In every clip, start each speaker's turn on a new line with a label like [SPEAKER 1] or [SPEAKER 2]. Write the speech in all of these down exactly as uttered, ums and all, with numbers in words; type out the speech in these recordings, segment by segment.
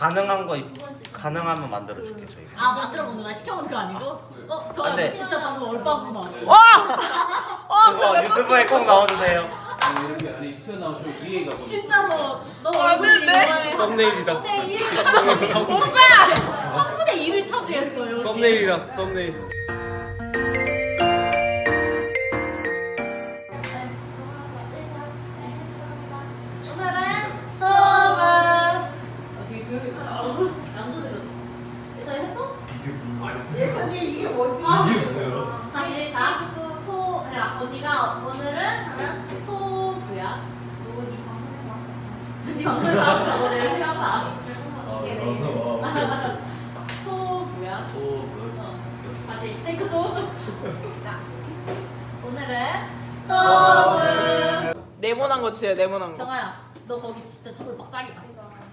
[SPEAKER 1] 가능한 거 있, 가능하면 만들어줄게 저희.
[SPEAKER 2] 아 만들어 보는 거야? 시켜 먹는 거 아니고? 어, 저
[SPEAKER 1] 네.
[SPEAKER 2] 진짜 방금 얼빵으로 나왔어.
[SPEAKER 3] 와!
[SPEAKER 1] 그거 유튜브에 꼭 넣어주세요.
[SPEAKER 4] 이렇게 안에 튀어나오시고 위에가 보이죠?
[SPEAKER 2] 진짜로 너
[SPEAKER 3] 얼굴인데?
[SPEAKER 1] 썸네일이다.
[SPEAKER 3] 오빠!
[SPEAKER 2] 삼분의 일을 차지했어요.
[SPEAKER 1] 썸네일이다. 썸네일.
[SPEAKER 2] 오늘은 수업은 어떻게 조용히 다 양도 내렸어. 예찬이 했어? 예찬이 이게 뭐지? 다시 자, 투, 토, 야 언니가 오늘은 하면 토부야. 누구 니 방송에서? 니 방송에서 너 열심히 한다. 토부야. 어. 다시 테이크 토. 자, 오늘은 토부.
[SPEAKER 3] 네모난 거 주세요, 네모난 거.
[SPEAKER 2] 경아야, 너 거기 진짜 저걸 막 짱이다.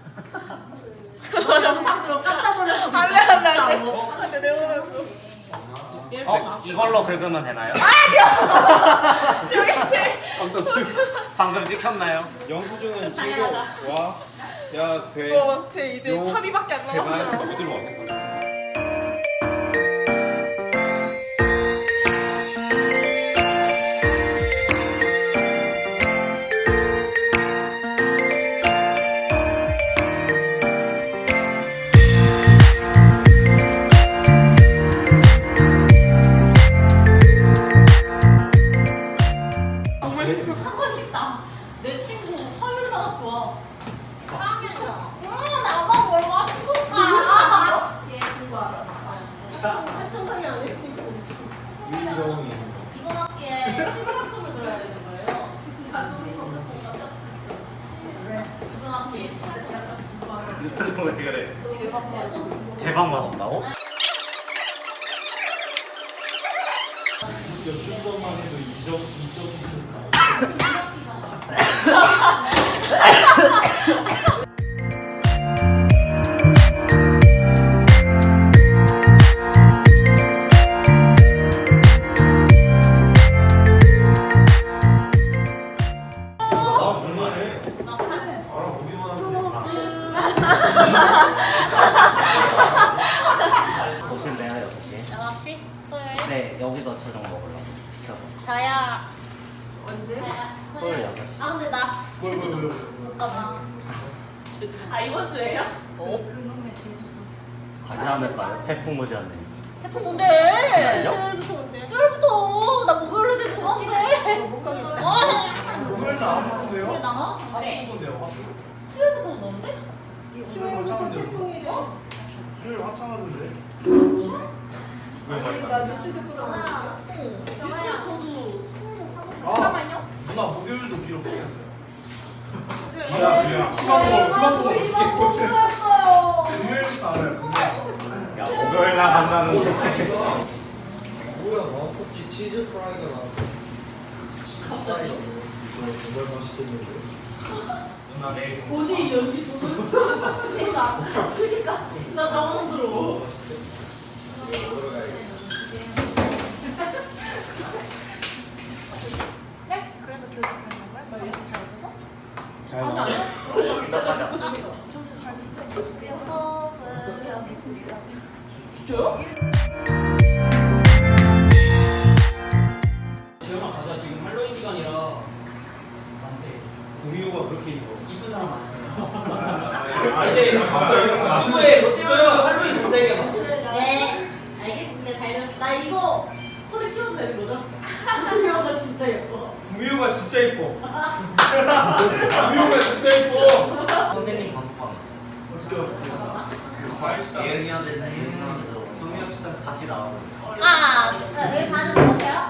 [SPEAKER 2] 너 영상 보고 깜짝 놀랐어.
[SPEAKER 3] 안 돼, 안 돼, 안 돼.
[SPEAKER 2] 진짜로.
[SPEAKER 3] 안 돼, 네모난 거.
[SPEAKER 1] 어? 이걸로 긁으면 되나요?
[SPEAKER 3] 여기 제
[SPEAKER 1] 방금 찍혔나요?
[SPEAKER 4] 영수증은
[SPEAKER 2] 당연하죠.
[SPEAKER 4] 찍고 와. 야 돼.
[SPEAKER 3] 어, 제 이제
[SPEAKER 4] 요.
[SPEAKER 3] 차비밖에 안
[SPEAKER 4] 제발
[SPEAKER 3] 남았어요.
[SPEAKER 4] 어디로 가겠어?
[SPEAKER 2] 한 번씩 나. 내 친구 화요일마다 좋아. 사 학년이잖아. 응, 나만 뭘 맞출까? 얘 그거 알아. 활성상이 안 했으니까 그렇지. 이번 학기에 십일 학점을 들어야 되는 거예요. 가수리 성적공 깜짝 진짜. 네. 이번 학기에 십일 학점.
[SPEAKER 1] 왜 그래?
[SPEAKER 2] 대박 받았어.
[SPEAKER 1] 대박 맛없다고? 오실래요 여섯 시?
[SPEAKER 2] 여섯 시? 토요일?
[SPEAKER 1] 네 여기서 저녁 먹으려고 시켜서.
[SPEAKER 2] 자야. 언제?
[SPEAKER 1] 토요일 여섯 시.
[SPEAKER 2] 아 근데 나 제주도 못 가봐. 아 이번 주에요? 어? 그놈의 제주도.
[SPEAKER 1] 가지 않을까요? 태풍 오지 않네.
[SPEAKER 2] 태풍 온대.
[SPEAKER 1] 수요일부터
[SPEAKER 2] 온대. 수요일부터 나 목요일로 되고 한대. 못 가겠어.
[SPEAKER 5] 목요일은 안 오는데요?
[SPEAKER 2] 그게 나가?
[SPEAKER 5] 화수 건데요, 화수?
[SPEAKER 2] 수요일부터 온다는데?
[SPEAKER 5] 수요일부터 태풍이요? 수요일 화창하던데?
[SPEAKER 2] 나 뉴스 듣고 나왔어. 어. 뉴스에 저도.
[SPEAKER 5] 아,
[SPEAKER 2] 잠깐만요.
[SPEAKER 5] 누나 목요일도 기록 보냈어요.
[SPEAKER 2] 야,
[SPEAKER 5] 미안. 플랫폼, 플랫폼 어떻게 꽂혀?
[SPEAKER 2] 했어요.
[SPEAKER 5] 금요일부터 알아요,
[SPEAKER 1] 야 목요일 날 간다는데.
[SPEAKER 6] 뭐야 마우커치 치즈 프라이가 나왔어.
[SPEAKER 2] 갑자기?
[SPEAKER 6] 이거 정말 맛있겠는데.
[SPEAKER 1] 누나 내일
[SPEAKER 2] 어디 여기 보는 그니까 그니까 나 당황스러워.
[SPEAKER 6] 먹으러 가야겠다.
[SPEAKER 7] 네? 그래서 교직하는 거야? 점수 잘 써서?
[SPEAKER 1] 잘
[SPEAKER 2] 아니
[SPEAKER 1] 나와.
[SPEAKER 2] 아니야.
[SPEAKER 1] 진짜 가자.
[SPEAKER 7] 점수 잘 써서?
[SPEAKER 2] 진짜요?
[SPEAKER 8] 재현아 가자. 지금 할로윈 기간이라 안돼.
[SPEAKER 6] 구미호가 그렇게 입어.
[SPEAKER 8] 이쁜 사람 많아요. 근데 유튜브에 러시아 할로윈 검색해봐.
[SPEAKER 2] 네 알겠습니다. 잘 들었어. 나 이거 소리 키워도 되는 거죠? 이거 진짜 예뻐.
[SPEAKER 5] 구미호가 진짜 이뻐. 구미호가 진짜 이뻐.
[SPEAKER 1] 선생님 방송.
[SPEAKER 5] 어떻게 어떻게? 그 과일 수다.
[SPEAKER 1] 예은이한테 예은이한테 소미합시다 같이 나오고.
[SPEAKER 2] 아 여기 가는 거 같아요?